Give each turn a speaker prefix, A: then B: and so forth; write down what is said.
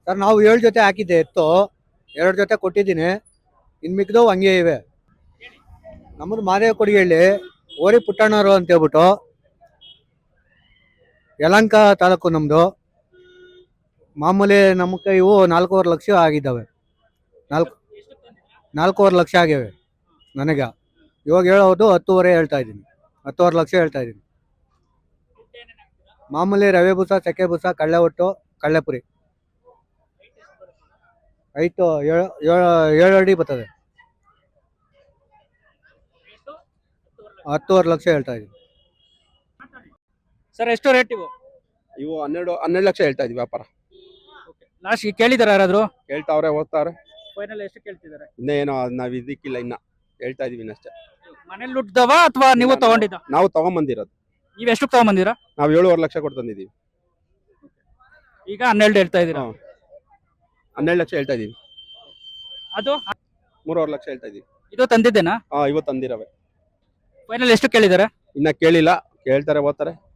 A: Sir ನಾವು 7 ಜೊತೆ ಹಾಕಿದ್ದೆ ಎತ್ತು, 2 ಜೊತೆ ಕೊಟ್ಟಿದ್ದೀನಿ. ಇನ್ನು ಮಿಕ್ದವು ಹಂಗೆ ಇವೆ. ನಮ್ಮದು ಮಾದೇವ ಕೊಡಿಹಳ್ಳಿ, ಓರಿ ಪುಟ್ಟಣ್ಣವರು ಅಂತ ಹೇಳ್ಬಿಟ್ಟು, ಯಲಹಂಕ ತಾಲೂಕು ನಮ್ಮದು. ಮಾಮೂಲಿ ನಮ್ಮ ಇವು 4.5 ಲಕ್ಷ ಆಗಿದ್ದಾವೆ. 4.5 ಲಕ್ಷ ಆಗಿವೆ ನನಗೆ. ಇವಾಗ ಹೇಳೋದು 10.5 ಹೇಳ್ತಾ ಇದ್ದೀನಿ, 10.5 ಲಕ್ಷ ಹೇಳ್ತಾ ಇದ್ದೀನಿ. ಮಾಮೂಲಿ ರವೆ ಬೂಸ, ಚಕ್ಕೆ ಬೂಸ, ಕಳ್ಳೆ ಒಟ್ಟು, ಕಳ್ಳೆಪುರಿ. ಐಟು 7 ಅಡಿ ಬರ್ತದೆ. 10.5 ಲಕ್ಷ ಹೇಳ್ತಾ ಇದ್ದೀನಿ
B: ಸರ್. ಎಷ್ಟು ರೇಟ್ ಇವು?
C: ಇವು 12 ಲಕ್ಷ ಹೇಳ್ತಾ ಇದ್ವಿ ವ್ಯಾಪಾರ.
B: ಲಾಸ್ಟ್ ಕೇಳಿದಾರ ಯಾರಾದ್ರು?
C: ಕೇಳ್ತಾವ್ರೆ, ಓದ್ತಾವ್ರೆ.
B: ಫೈನಲ್ ಎಷ್ಟು ಕೇಳ್ತಿದ್ದಾರೆ?
C: ಇನ್ನೇನೋ ನಾವ್ ಇದಕ್ಕಿಲ್ಲ, ಇನ್ನ ಹೇಳ್ತಾ ಇದೀವಿ ಇನ್ನಷ್ಟೇ.
B: ಮನೇಲಿ ಹುಟ್ಟಿದವ ಅಥವಾ ನೀವು ತಗೊಂಡಿದ್ದ?
C: ನಾವು ತಗೊಂಬಂದಿರೋದು.
B: ನೀವ್ ಎಷ್ಟು ತಗೊಂಬಂದಿರಾ?
C: ನಾವು 7.5 ಲಕ್ಷ ಕೊಟ್ಟು ತಂದಿದ್ದೀವಿ.
B: ಈಗ 12 ಹೇಳ್ತಾ ಇದೀರಾ?
C: 12 ಲಕ್ಷ ಹೇಳ್ತಾ ಇದೀವಿ.
B: ಅದು
C: 3.5 ಲಕ್ಷ ಹೇಳ್ತಾ ಇದೀವಿ.
B: ಇದು ತಂದಿದ್ದೇನಾ?
C: ಇವತ್ತು ತಂದಿರವೆ.
B: ಫೈನಲ್ ಎಷ್ಟು ಕೇಳಿದಾರೆ?
C: ಇನ್ನ ಕೇಳಿಲ್ಲ, ಕೇಳ್ತಾರೆ, ಓದ್ತಾರೆ.